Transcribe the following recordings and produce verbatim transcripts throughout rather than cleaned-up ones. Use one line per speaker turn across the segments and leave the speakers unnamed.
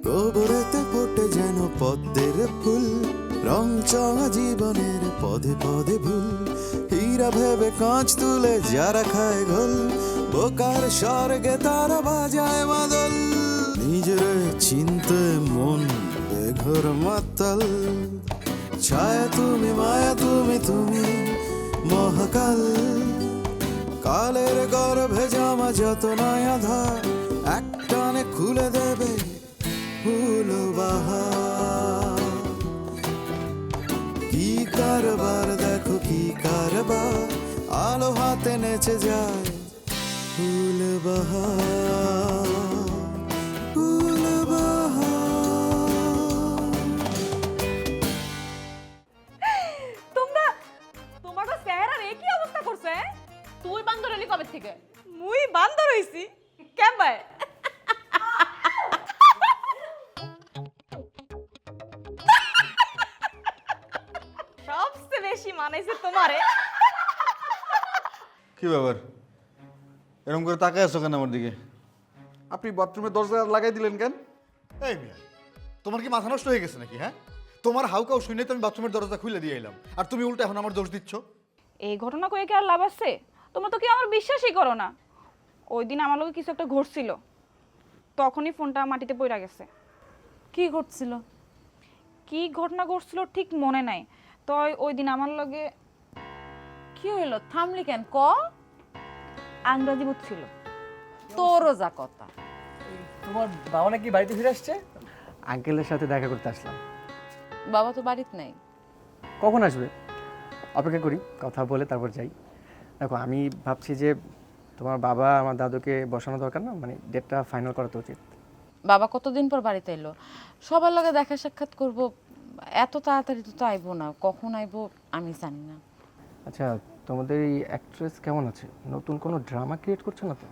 গোবরেতে ফোটে যেন পদ্মের ফুল, রং চঙা জীবনের পদে পদে ভুল। হীরা ভেবে কাঁচ তুলে যারা খায় ঘোল, বোকার স্বর্গে তারা বাজায় মাদল। নিজের চিনতে মন বেঘর মাতাল, ছায়া তুমি মায়া তুমি তুমি মহাকাল। কালের গর্ভে জামা যত নয়া ধার, একটানে খুলে দেবে ফুল বাহার। কি কারবার দেখো কি কারবার, আলো হাতে নেচে যায় ফুল বাহার, ফুল বাহার।
তোমরা তোমার চেহারার একই অবস্থা করছে।
তুই বান্দর হলি কবে থেকে?
মুই বান্দর হইছি কেমবাই? সবচেয়ে বেশি মানাইছে তোমারে।
কি ব্যাপার, এরকম করে তাকায় আছো কেন আমার দিকে?
আপনি বাথরুমের দরজা লাগাই দিলেন কেন?
এই মিয়া, তোমার কি মাথা নষ্ট হয়ে গেছে নাকি? হ্যাঁ, তোমার হাউকাও শুনে তো আমি বাথরুমের দরজা খুলে দিয়ে এলাম, আর তুমি উল্টা এখন আমার দোষ দিচ্ছ।
এই ঘটনা কয়ে কি আর লাভ আছে? তোমরা তো কি আমার বিশ্বাসই করো না। ওই দিন আমার লগে কিছু একটা ঘটছিল, তখনই ফোনটা মাটিতে পড়ে গেছে।
কি ঘটছিল?
কি ঘটনা ঘটছিল ঠিক মনে নাই, তো ওই দিন আমার লগে
কি হইলো? থামলি কেন? ক।
আংরাজি বুঝছিল।
তোরও যা কথা।
তোমার বাবা নাকি বাড়িতে ফিরে আসছে? আঙ্কেলের সাথে দেখা করতে আসলাম।
বাবা তো বাড়িতে নাই।
কখন আসবে? অপেক্ষা করি, কথা বলে তারপর যাই। দেখো, আমি ভাবছি যে তোমার বাবা আমার দাদুকে বসানো দরকার না, মানে ডেটটা ফাইনাল করা তো উচিত।
বাবা কতদিন পর বাড়িতে এলো, সবার লগে দেখা সাক্ষাৎ করব, এত তাড়াতাড়ি তো আইবো না। কখন আইবো আমি জানি না।
আচ্ছা, তোমাদের এই অ্যাক্ট্রেস কেমন আছে? নতুন কোনো ড্রামা ক্রিয়েট করছে না তো?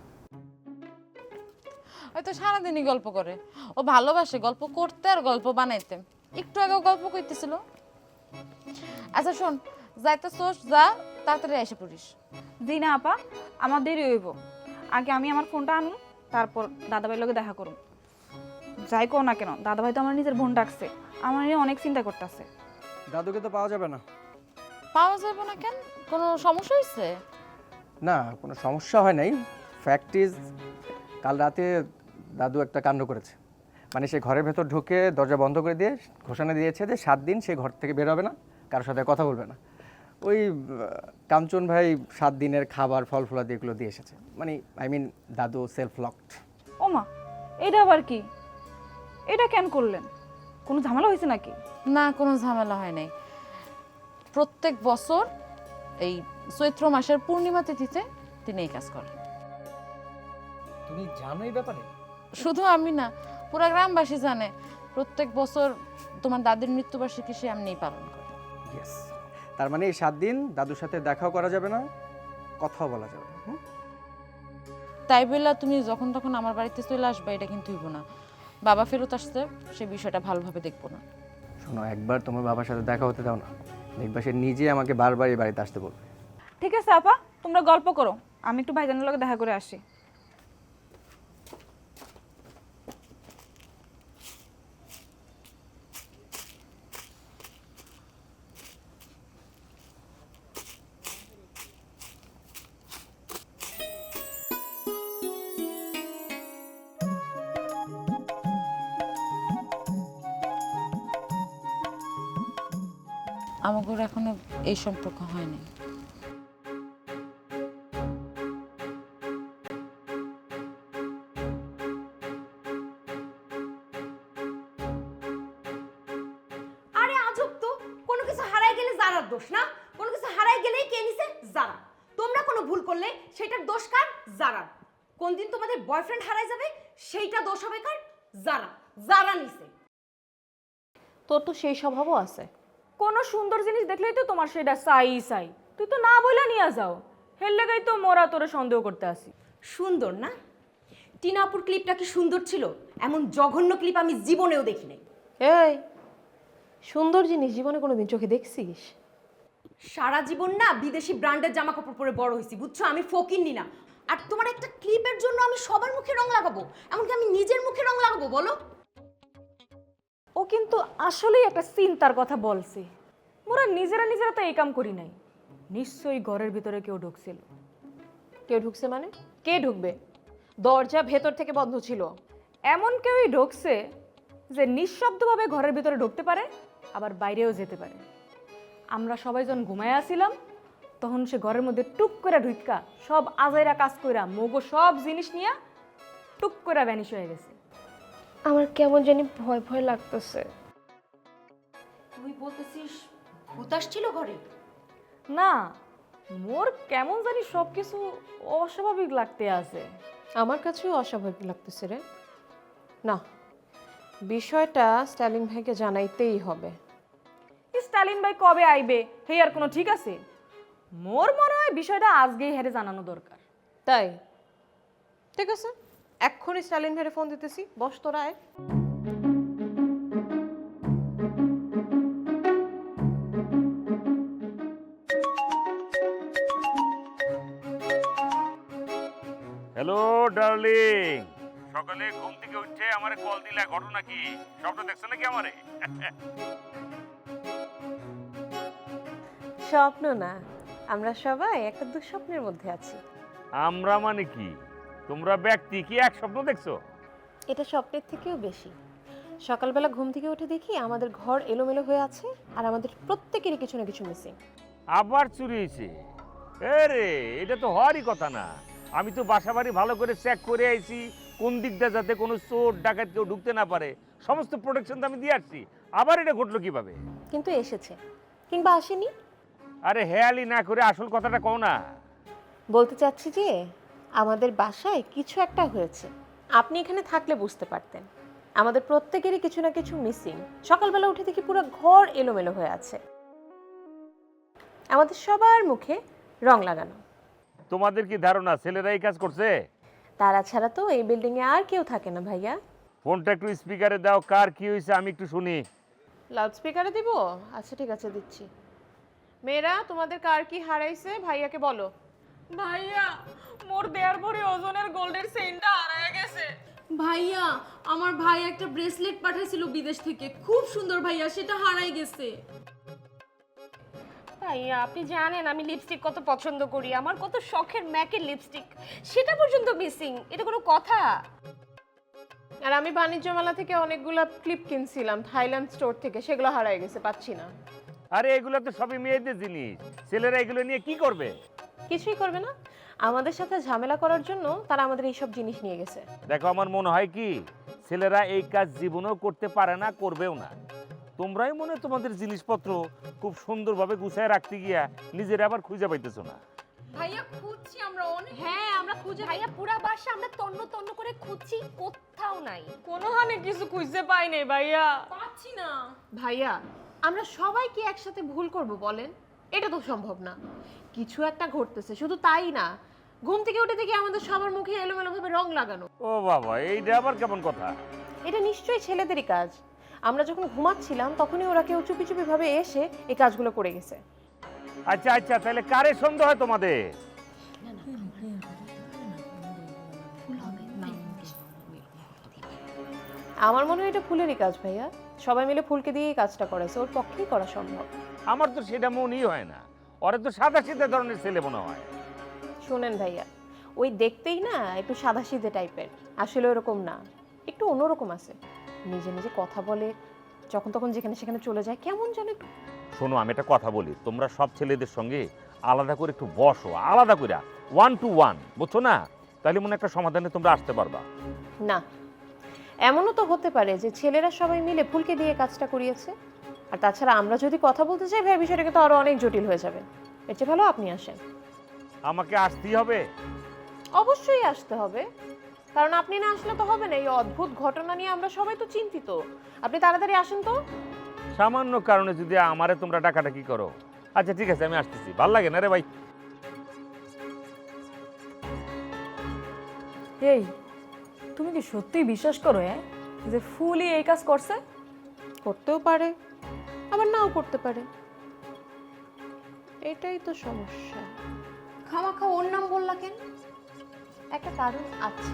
হয়তো সারাদিনই গল্প করে। ও ভালোবাসে গল্প করতে আর গল্প বানাইতে। একটু আগেও গল্প করতেছিল। আচ্ছা শোন, যাইতেছোস যা, তাড়াতাড়ি এসে পড়িস।
জি না আপা, আমার দেরি হইব। আগে আমি আমার ফোনটা আনুন, তারপর দাদাভাইয়ের লগে দেখা করুন। যাই কো না কেন, দাদাভাই তো আমার নিজের বোন ডাকছে, আমার নিয়ে অনেক চিন্তা করতেছে।
দাদুকে তো পাওয়া যাবে না।
পাওয়া যাবে না কেন? কোনো সমস্যা হয়েছে?
না, কোনো সমস্যা হয় নাই। ফ্যাক্ট ইজ, কাল রাতে দাদু একটা কাণ্ড করেছে। মানে সে ঘরের ভেতর ঢুকে দরজা বন্ধ করে দিয়ে ঘোষণা দিয়েছে যে সাত দিন সে ঘর থেকে বের হবে না, কারোর সাথে কথা বলবে না। ওই আহ, কাঞ্চন ভাই সাত দিনের খাবার ফল ফলাদি এগুলো দিয়ে এসেছে। মানে আই মিন দাদু সেলফ লকড।
ওমা, এটা আবার কি? এটা কেন করলেন? কোনো ঝামেলা হয়েছে নাকি?
না, কোনো ঝামেলা হয় নাই। প্রত্যেক বছর এই চৈত্র মাসের পূর্ণিমা তিথিতে তিনি এই কাজ করেন।
তুমি জানো এই ব্যাপারে?
শুধু আমি না, পুরো গ্রামবাসী জানে। প্রত্যেক বছর তোমার দাদির মৃত্যুবার্ষিকী সে এমনিই পালন করে।
ইয়েস, তার মানে এই সাত দিন দাদুর সাথে দেখাও করা যাবে না, কথাও বলা যাবে না। হুম?
তাই বললা তুমি যখন তখন আমার বাড়িতে চলে আসবে এটা কিন্তু হইব না। বাবা ফেরত আসছে, সে বিষয়টা ভালোভাবে দেখবো না।
শোনো, একবার তোমার বাবার সাথে দেখা হতে দাও না, দেখবা সে নিজে আমাকে বারবার এই বাড়িতে আসতে বলবে।
ঠিক আছে আপা, তোমরা গল্প করো, আমি একটু ভাইজানের লগে দেখা করে আসি।
আমাদের এখনো এই সম্পর্ক হয়নি।
আরে আজব তো, কোনো কিছু হারাই গেলে জারার দোষ না, কোনো কিছু হারাই গেলেই কে নিছে? জারা। তোমরা কোনো ভুল করলে সেটার দোষ কার? জারার। কোন দিন তোমাদের বয়ফ্রেন্ড হারাই যাবে সেইটা দোষ হবে কার? জারা। জারা নিছে।
তোর তো সেই স্বভাবও আছে।
কোনো সুন্দর জিনিস দেখলেই তো তোমার সেটা চাই চাই, তুই তো না বইলা নিয়ে যাও। হের লেগাই তো মোরা তোরে সন্দেহ করতে আসি।
সুন্দর না? টিনাপুর ক্লিপটা কি সুন্দর ছিল? এমন জঘন্য ক্লিপ আমি জীবনেও দেখি নাই।
এই সুন্দর জিনিস জীবনে কোনোদিন চোখে দেখছিস?
সারা জীবন না বিদেশি ব্র্যান্ডের জামা কাপড় পরে বড় হয়েছি, বুঝছো? আমি ফকিন্নি না। আর তোমার একটা ক্লিপের জন্য আমি সবার মুখে রং লাগাবো? এমনকি আমি নিজের মুখে রং লাগাবো বলো?
কিন্তু আসলেই একটা চিন্তার কথা বলছে। মোরা নিজেরা নিজেরা তো এই কাম করি নাই, নিশ্চয়ই ঘরের ভিতরে কেউ ঢুকছিল।
কেউ ঢুকছে মানে? কে ঢুকবে? দরজা ভেতর থেকে বন্ধ ছিল।
এমন কেউই ঢুকছে যে নিঃশব্দভাবে ঘরের ভিতরে ঢুকতে পারে, আবার বাইরেও যেতে পারে। আমরা সবাই যখন ঘুমায় আসছিলাম তখন সে ঘরের মধ্যে টুক করে ঢুকা সব আজাইরা কাজ কইরা মগো সব জিনিস নিয়ে টুক করে ভ্যানিশ হয়ে গেছে।
আমার কেমন জানি ভয় ভয় লাগতেছে।
তুই বলতেছিস ভূত আসছিল ঘরে?
না, মোর কেমন জানি সব কিছু অস্বাভাবিক লাগতে আছে।
আমার কাছেও অস্বাভাবিক লাগতেছে রে। না, বিষয়টা স্ট্যালিন ভাইকে জানাইতেই হবে।
স্টালিন ভাই কবে আইবে হে আর কোনো ঠিক আছে? মোর মনে হয় বিষয়টা আজকেই হেরে জানানো দরকার।
তাই ঠিক আছে, এক্ষুনি স্ট্যালিন ভাইয়ের ফোন দিতেছি। বস তোরা আয়।
হ্যালো ডার্লিং, সকালে ঘুম থেকে উঠে আমারে কল দিলা, ঘটনা কি? স্বপ্ন দেখছো নাকি আমারে?
স্বপ্ন না, আমরা সবাই একটা দুঃস্বপ্নের মধ্যে আছি।
আমরা মানে কি? তোমরা ব্যক্তি কি এক স্বপ্ন দেখছো?
এটা স্বপ্নের থেকেও বেশি। সকালবেলা ঘুম থেকে উঠে দেখি আমাদের ঘর এলোমেলো হয়ে আছে, আর আমাদের প্রত্যেকেরই কিছু না কিছু মিসিং।
আবার চুরি হয়েছে? আরে এটা তো হওয়ারই কথা না। আমি তো বাসা বাড়ি ভালো করে চেক করে আইছি, কোন দিকটা যাতে কোনো চোর ডাকাত কেউ ঢুকতে না পারে, সমস্ত প্রোটেকশন তো আমি দিয়ে আসছি। আবার এটা ঘটলো কিভাবে?
কিন্তু এসেছে কিংবা আসেনি।
আরে হেয়ালি না করে আসল কথাটা কও না।
বলতে চাচ্ছি যে আমাদের বাসায় কিছু একটা হয়েছে। আপনি এখানে থাকলে বুঝতে পারতেন। আমাদের প্রত্যেকেরই কিছু না কিছু মিসিং। সকালবেলা উঠে দেখি পুরো ঘর এলোমেলো হয়ে আছে, আমাদের সবার মুখে রং লাগানো।
তোমাদের কি ধারণা ছেলেরা এই কাজ করছে?
তারা ছাড়া তো এই বিল্ডিং এ আর কেউ থাকে না ভাইয়া।
ফোনটা একটু স্পিকারে দাও, কার কি হয়েছে আমি একটু শুনি।
লাউড স্পিকারে দিব? আচ্ছা ঠিক আছে, দিচ্ছি। মেয়েরা, তোমাদের কার কি হারাইছে ভাইয়াকে বলো।
ভাইয়া, মোর দেড় ভরি ওজনের গোল্ডের চেইনটা হারায় গেছে।
ভাইয়া, আমার ভাই একটা ব্রেসলেট পাঠাইছিল বিদেশ থেকে, খুব সুন্দর ভাইয়া, সেটা হারাই গেছে।
ভাইয়া, আপনি জানেন আমি লিপস্টিক কত পছন্দ করি, আমার কত শখের ম্যাকের লিপস্টিক, সেটা পর্যন্ত মিসিং। এটা কোনো কথা?
আর আমি বাণিজ্য মেলা থেকে অনেকগুলো ক্লিপ কিনছিলাম থাইল্যান্ড স্টোর থেকে, সেগুলো হারাই গেছে, পাচ্ছি না।
আরে এগুলো তো সবই মেয়েদের জিনিস, ছেলেরা এগুলো নিয়ে কি করবে?
কিছুই করবে না, আমাদের সাথে ঝামেলা করার জন্য তারা আমাদের এইসব জিনিস নিয়ে গেছে।
দেখো, আমার মনে হয় কি ছেলেরা এই কাজ জীবনেও করতে পারে না, করবেও না। তোমরাই মনে হয় তোমাদের জিনিসপত্র খুব সুন্দরভাবে গুছায় রাখতে গিয়া নিজেরা আবার খুঁজে পাইতেছো না।
ভাইয়া খুঁজছি আমরা অনেক।
হ্যাঁ, আমরা খুঁজে ভাইয়া পুরা বাসা আমরা তন্ন তন্ন করে খুঁজছি, কোথাও নাই।
কোনো হানে কিছু খুঁজতে পাই নাই ভাইয়া,
পাচ্ছি না।
ভাইয়া, আমরা সবাই কি একসাথে ভুল করব বলেন? এটা তো সম্ভব না। কিছু একটা ঘটতেছে, শুধু তাই না, ঘুম থেকে উঠে দেখি আমাদের সবার মুখে এলোমেলো ভাবে রং লাগানো।
ও বাবা, এইটা আবার কেমন কথা?
এটা নিশ্চয়ই ছেলেদেরই কাজ। আমরা যখন ঘুমাচ্ছিলাম তখনই ওরা কেউ চুপি চুপি ভাবে এসে এই কাজগুলো করে গেছে।
আচ্ছা আচ্ছা, তাহলে কারে সন্দেহ হয় তোমাদের?
আমার মনে হয় এটা ফুলেরই কাজ ভাইয়া। সবাই মিলে ফুলকে দিয়ে এই কাজটা করেছে, ওর পক্ষেই করা সম্ভব।
আমার তো সেটা মনেই হয় না, ওরা তো সাদা সিধা ধরনের ছেলে মনে হয়।
শোনেন ভাইয়া, ওই দেখতেই না একটু সাদাসিধে টাইপের, আসলে ওরকম না, একটু অন্যরকম আছে। নিজে নিজে কথা বলে, যখন তখন যেখানে সেখানে চলে যায়, কেমন যেন একটু।
শোনো, আমি একটা কথা বলি, তোমরা সব ছেলেদের সঙ্গে আলাদা করে একটু বসো, আলাদা করে ওয়ান টু ওয়ান, বুঝছো না? তাহলে মনে একটা সমাধানে তোমরা আসতে পারবা।
না, এমনও তো হতে পারে যে ছেলেরা সবাই মিলে ফুলকে দিয়ে কাজটা করিয়েছে। আর তাছাড়া আমরা যদি কথা বলতে চাই ভাই, বিষয়টাকে তো আরো অনেক জটিল হয়ে যাবে। এর চেয়ে ভালো আপনি আসেন।
আমাকে আসতেই হবে?
অবশ্যই আসতে হবে, কারণ আপনি না আসলে তো হবে না। এই অদ্ভুত ঘটনা নিয়ে আমরা সবাই তো চিন্তিত। আপনি তাড়াতাড়ি আসেন তো।
সামান্য কারণে যদি আমারে তোমরা ডাকাডাকি করো। আচ্ছা ঠিক আছে, আমি আসতেছি। ভাল লাগে না রে ভাই।
এই, তুমি কি সত্যিই বিশ্বাস করো হ্যাঁ যে ফুলই এই কাজ করছে?
করতেও পারে, আবার নাও করতে পারে, এটাই তো সমস্যা।
খামাখা ওর নাম বললা কেন?
একটা কারণ আছে।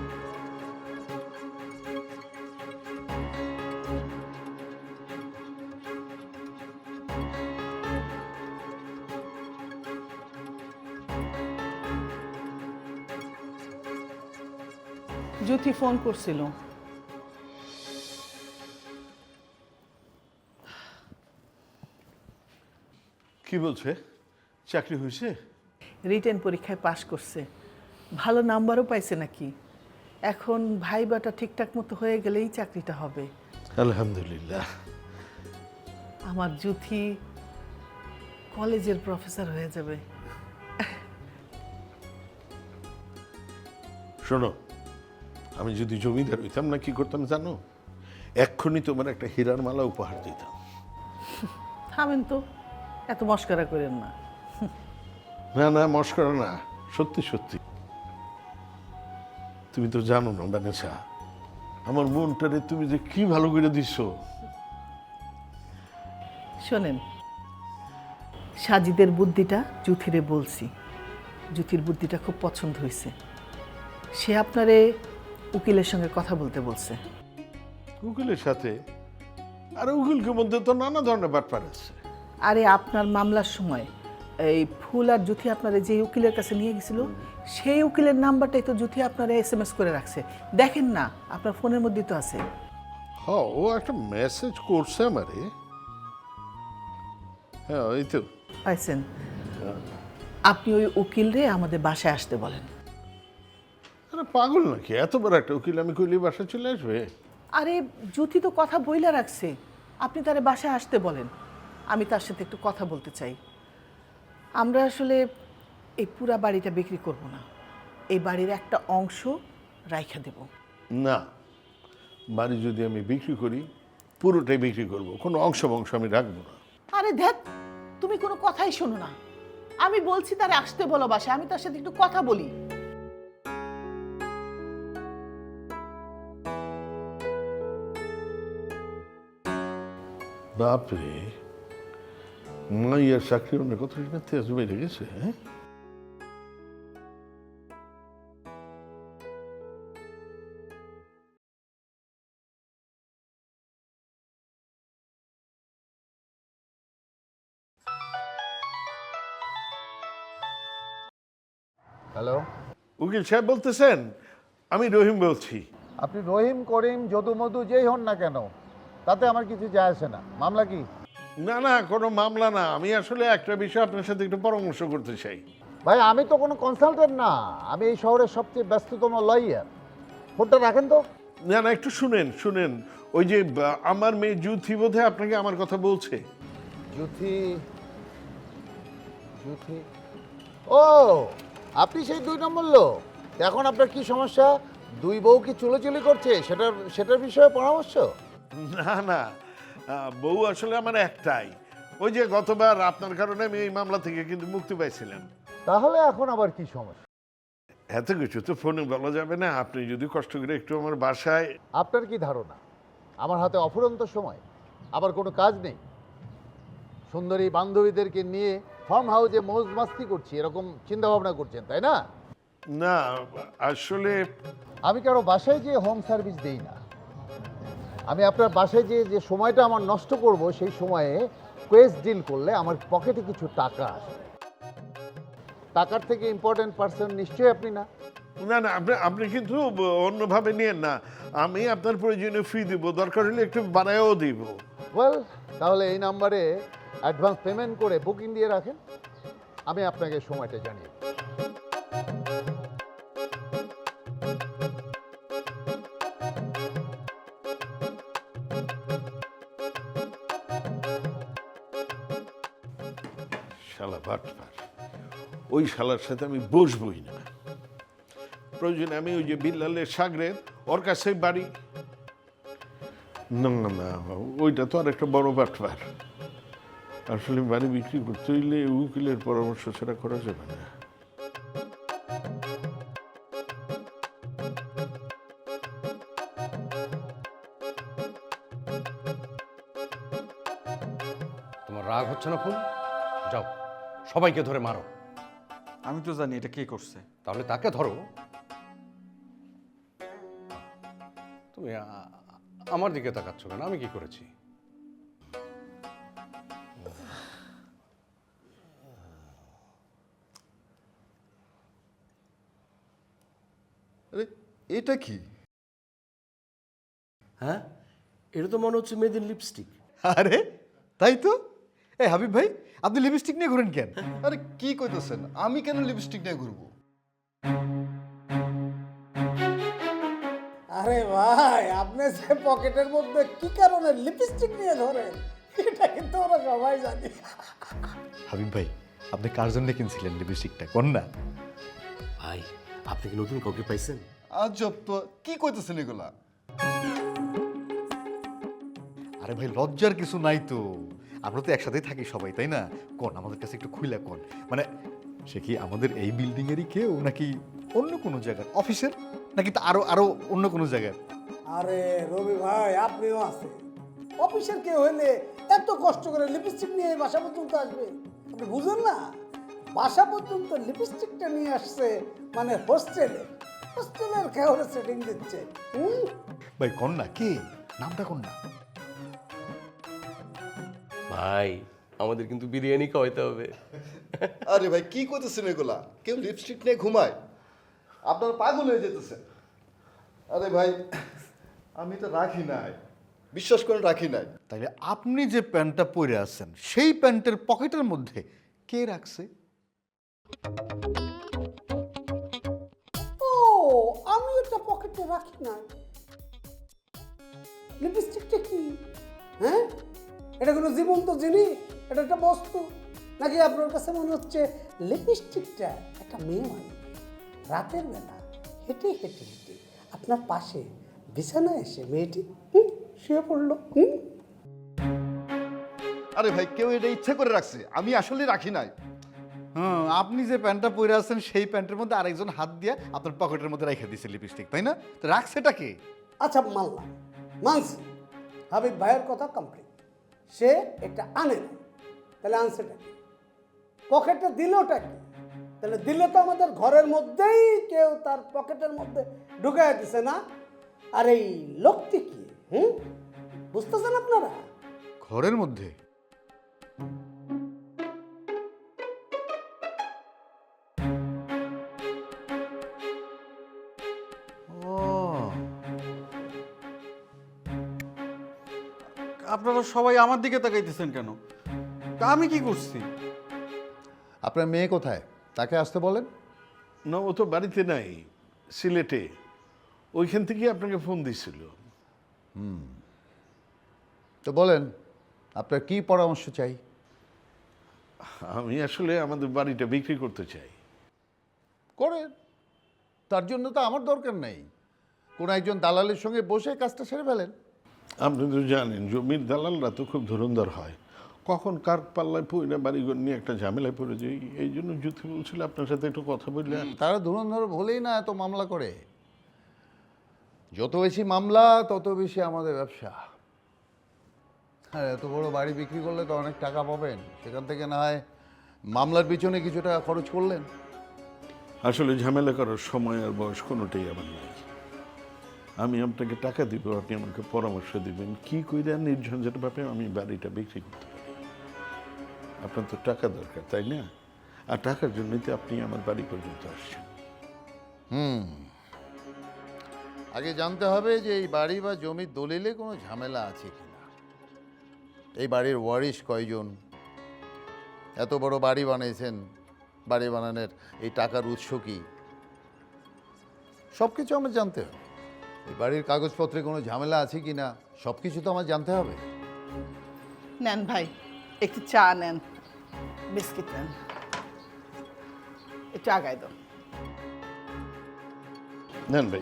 জ্যোতি ফোন করছিল।
কি বলছে? চাকরি হয়েছে?
রিটেন পরীক্ষায় পাশ করছে, ভালো নাম্বারও পাইছে নাকি। এখন ভাইবাটা ঠিকঠাক মতো হয়ে গেলেই চাকরিটা হবে।
আলহামদুলিল্লাহ।
আমার জ্যোতি কলেজের প্রফেসর হয়ে যাবে।
শোনো, আমি যদি জমিদার হইতাম না কি করতাম জানো? এক্ষুনি তোমার একটা হীরার মালা উপহার দিতাম।
থামেন তো, এত মস্করা করেন না।
না না, মস্করা না, সত্যি সত্যি। তুমি তো জানো না বানেসা, আমার মনটারে তুমি যে কি ভালো করে দিচ্ছ।
শোনেন, সাজিদের বুদ্ধিটা জ্যোতিরে বলছি, জ্যোতির বুদ্ধিটা খুব পছন্দ হয়েছে। সে আপনারে উকিলের সঙ্গে কথা বলতে বলছে।
উকিলের সাথে? আর উকিলকে মধ্যে তো নানা ধরনের ব্যাপার আছে।
আরে আপনার মামলার সময় এই ফুল আর জ্যোতি আপনারা যে উকিলের কাছে নিয়ে গেছিল, সেই উকিলের নাম্বারটাই তো জ্যোতি আপনারা এস এম এস করে রাখছে। দেখেন না, আপনার ফোনের মধ্যেই তো আছে।
হ্যাঁ, ও একটা মেসেজ করছে আমারে। হ্যাঁ, ওই তো
পাইছেন। আপনি ওই উকিলরে আমাদের বাসায় আসতে বলেন।
আরে পাগল নাকি? এত বড় একটা উকিল আমি কইলে বাসায় চলে আসবে?
আরে জ্যোতি তো কথা বইলা রাখছে, আপনি তারে বাসায় আসতে বলেন। আমি তার সাথে একটু কথা বলতে চাই। আমরা আসলে এই পুরা বাড়িটা বিক্রি করব না, এই বাড়ির একটা অংশ রাইখা দেব।
না, বাড়ি যদি আমি বিক্রি করি পুরোটাই বিক্রি করব, কোনো অংশ বংশ আমি রাখবো না।
আরে দেখ, তুমি কোনো কথাই শোনো না। আমি বলছি তারে আসতে বলো বাসায়, আমি তার সাথে একটু কথা বলি।
বাপরে, মাইয়ার চাকরি অনেক কত তেজ বেড়ে গেছে। হ্যাঁ,
হ্যালো,
উকিল সাহেব বলতেছেন? আমি রহিম বলছি।
আপনি রহিম করিম যদু মধু যেই হন না কেন, তাতে আমার কিছু যায় আসে না। মামলা কি?
না না, কোনো মামলা না। আমি আসলে একটা বিষয় আপনার সাথে একটু পরামর্শ করতে চাই।
ভাই, আমি তো কোনো কনসালটেন্ট না, আমি এই শহরের সবচেয়ে ব্যস্ততম লয়ার। ফোনটা রাখেন তো।
না না, একটু শুনেন শুনেন। ওই যে বা- আমার মেয়ে জুথি বোধহয় আপনাকে আমার কথা বলছে।
জুথি জুথি ও, আপনি সেই দুই নম্বর লোক। এখন আপনার কি সমস্যা? দুই বউ কি চুলোচুলি করছে, সেটার সেটার বিষয়ে পরামর্শ?
না না, আহ, বউ আসলে আমার একটাই। ওই যে গতবার আপনার কারণে আমি এই মামলা থেকে কিন্তু মুক্তি পাইছিলাম।
তাহলে এখন আবার কি সমস্যা?
এত কিছু তো ফোনে বলা যাবে না। আপনি যদি কষ্ট করে একটু আমার বাসায়।
আপনার কি ধারণা আমার হাতে অফুরন্ত সময়, আবার কোনো কাজ নেই? সুন্দরী বান্ধবীদেরকে নিয়ে ফার্ম হাউসে মৌজ মাস্তি করছি, এরকম চিন্তা ভাবনা করছেন তাই না?
না, আসলে
আমি কারো বাসায় যেয়ে হোম সার্ভিস দেই না। আমি আপনার বাসায় যেয়ে যে সময়টা আমার নষ্ট করব, সেই সময়ে কোয়েস ডিল করলে আমার পকেটে কিছু টাকা আসে। টাকার থেকে ইম্পর্টেন্ট পার্সন নিশ্চয়ই আপনি না।
না না, আপনি আপনি কিন্তু অন্যভাবে নিয়েন না। আমি আপনার প্রয়োজনীয় ফি দিব, দরকার হলে একটু বানায়ও দিব।
ওয়েল, তাহলে এই নাম্বারে অ্যাডভান্স পেমেন্ট করে বুকিং দিয়ে রাখেন, আমি আপনাকে সময়টা জানিয়ে দেব।
শালা বাটপার, ওই শালার সাথে আমি বসবই না। প্রয়োজনে আমি ওই যে বিল্লালের সাগরের ওর কাছে বাড়ি। না না, ওইটা তো আর একটা বড় বাটপার। আসলে বাড়ি বিক্রি করতে হইলে উকিলের পরামর্শ ছাড়া করা যাবে না।
তোমার রাগ হচ্ছে না ফুল? যাও, সবাইকে ধরে মারো।
আমি তো জানি এটা কে করছে।
তাহলে তাকে ধরো। তুমি আ- আমার দিকে তাকাচ্ছ কেন? আমি কি করেছি?
আরে
এটা কি?
হ্যাঁ, এটা তো মনে হচ্ছে মেয়েদের লিপস্টিক।
আরে তাই তো। এই হাবিব ভাই, আপনি লিপস্টিক নিয়ে ঘুরেন কেন?
আরে কি কইতেছেন, আমি কেন লিপস্টিক নিয়ে ঘুরবো?
আরে ভাই, আপনি যে পকেটের মধ্যে কি কারণে লিপস্টিক নিয়ে ধরেন এটা কিন্তু ওরা সবাই জানে।
হাবিব ভাই, আপনি কার জন্য কিনছিলেন লিপস্টিকটা কোন না?
ভাই, আপনি কি নতুন কাউকে পাইছেন?
আজব তো, কি কইতেছেন এগুলা?
আরে ভাই, লজ্জার কিছু নাই তো, আমরা তো একসাথেই থাকি সবাই, তাই না? কোন আমাদের কাছে একটু খুইলা কোন, মানে সে কি আমাদের এই বিল্ডিং এরই কেউ, নাকি অন্য কোনো জায়গার অফিসের, নাকি তা আরো আরো অন্য কোনো জায়গার?
আরে রবি ভাই, আপনিও আছেন। অফিসের কেউ হলে এত কষ্ট করে লিপস্টিক নিয়ে এই বাসা পর্যন্ত আসবে? আপনি বুঝেন না, বাসা পর্যন্ত লিপস্টিকটা নিয়ে আসছে মানে হোস্টেলে হোস্টেলের কেউরে সেটিং দিচ্ছে। হুম
ভাই কোন না, কে নামটা কোন না?
ভাই, আমাদের কিন্তু বিরিয়ানি খাওয়াইতে হবে।
আরে ভাই, কি কইতেছেন এগুলা? কেউ লিপস্টিক নিয়ে ঘুমায়? আপনার পাগল হয়ে যেতেছেন। আরে ভাই, আমি তো রাখি নাই, বিশ্বাস করে রাখি নাই।
তাইলে আপনি যে প্যান্টটা পরে আছেন সেই প্যান্টের পকেটের মধ্যে কে রাখছে?
ও, আমি এটা পকেটে রাখি না। লিপস্টিকটা কি? হ্যাঁ, এটা কোনো জীবন্ত জিনিস? এটা একটা বস্তু নাকি আপনার কাছে মনে হচ্ছে লিপস্টিকটা একটা মেয়ে মানুষ রাতের বেলা হেঁটে হেঁটে হেঁটে আপনার পাশে বিছানায় এসে মেয়েটি হুম শুয়ে পড়লো? হুম
আরে ভাই, কেউ এটা ইচ্ছে করে রাখছে, আমি আসলে রাখি নাই।
হ্যাঁ, আপনি যে প্যান্টটা পরে আছেন সেই প্যান্টের মধ্যে আরেকজন হাত দিয়ে আপনার পকেটের মধ্যে রেখে দিয়েছে লিপস্টিক, তাই না? তো রাখছেটা কে?
আচ্ছা, মানলাম, মানছি, হাবিব ভাইয়ের কথা কমপ্লিট। সে এটা আনে না, তাহলে আনছেটা কি? পকেটে দিলটা কি? তাহলে দিলে তো আমাদের ঘরের মধ্যেই কেউ তার পকেটের মধ্যে ঢুকাই দিছে না? আর এই লোকটি কি? হুম বুঝতেছেন আপনারা?
ঘরের মধ্যে? ও,
আপনারা সবাই আমার দিকে তাকাইতেছেন কেন? তা আমি কি করছি?
আপনার মেয়ে কোথায়? তাকে আসতে বলেন।
না, ও তো বাড়িতে নাই, সিলেটে। ওইখান থেকে আপনাকে ফোন দিছিল।
হুম তো বলেন, আপনার কি পরামর্শ চাই?
আমি আসলে আমাদের বাড়িটা বিক্রি করতে চাই।
করেন, তার জন্য তো আমার দরকার নেই। কোন একজন দালালের সঙ্গে বসে কাজটা সেরে ফেলেন।
আপনি তো জানেন, জমির দালালরা তো খুব ধুরন্ধর হয়, কখন কার পাল্লায় পড়ে বাড়িঘর নিয়ে একটা ঝামেলায় পড়ে যাই। এই জন্য জ্যোতি বলছিল আপনার সাথে একটু কথা বললে।
তারা ধুরন্ধর বলেই না এত মামলা করে। যত বেশি মামলা তত বেশি আমাদের ব্যবসা। আর এত বড় বাড়ি বিক্রি করলে তো অনেক টাকা পাবেন, সেখান থেকে না হয় মামলার পিছনে কিছু টাকা খরচ করলেন।
আসলে ঝামেলা করার সময় আর বয়স কোনোটাই আমার নাই। আমি আপনাকে টাকা দিব, আপনি আমাকে পরামর্শ দিবেন কি কইরা নির্ঝঞ্ঝাটভাবে আমি বাড়িটা বিক্রি করতে পারি। আপনার তো টাকা দরকার, তাই না? আর টাকার জন্যই তো আপনি আমার বাড়ি পর্যন্ত আসছেন।
হুম আগে জানতে হবে যে এই বাড়ি বা জমির দলিলে কোনো ঝামেলা আছে কিনা, এই বাড়ির ওয়ারিশ কয়জন, এত বড় বাড়ি বানিয়েছেন, বাড়ি বানানোর এই টাকার উৎস কি, সব কিছু আমার জানতে হবে। এই বাড়ির কাগজপত্রে কোনো ঝামেলা আছে কিনা সব কিছু তো আমার জানতে হবে।
নেন ভাই, একটু চা নেন, বিস্কিট নেন, একটু আগায় দাও।
নেন ভাই।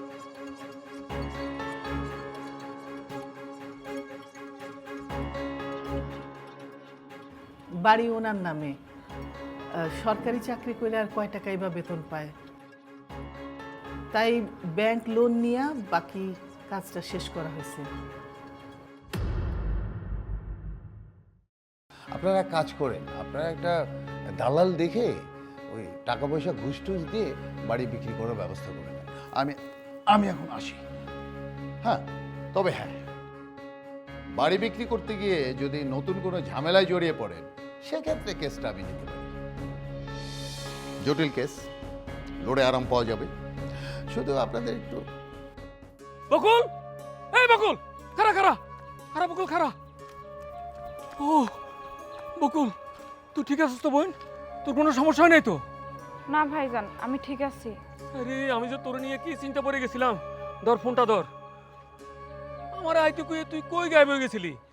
বাড়ি ওনার নামে, আহ, সরকারি চাকরি করে আর কয় টাকাই বা বেতন পায়, তাই ব্যাংক লোন নিয়ে বাকি কাজটা শেষ করা হয়েছে।
আপনারা এক কাজ করেন, আপনারা একটা দালাল দেখে ওই টাকা পয়সা ঘুষ টুস দিয়ে বাড়ি বিক্রি করার ব্যবস্থা করে নেন। আমি আমি এখন আসি। হ্যাঁ, তবে হ্যাঁ, বাড়ি বিক্রি করতে গিয়ে যদি নতুন কোনো ঝামেলায় জড়িয়ে পড়েন সেক্ষেত্রে কেসটা আমি নিতে পারি। জটিল কেস, লড়ে আরাম পাওয়া যাবে। শুধু আপনাদের একটু
বকুল, এই বকুল, খারা খারা খারা বকুল খারা। ও বকুল, তুই ঠিক আছিস তো বোন? তোর কোনো সমস্যা হয় নাই তো?
না ভাইজান, আমি ঠিক আছি।
আরে আমি যে তোর নিয়ে কি চিন্তা পড়ে গেছিলাম। ধর ফোনটা ধর। আমার আইতে কই তুই কই গায়েব হয়ে গেছিলি?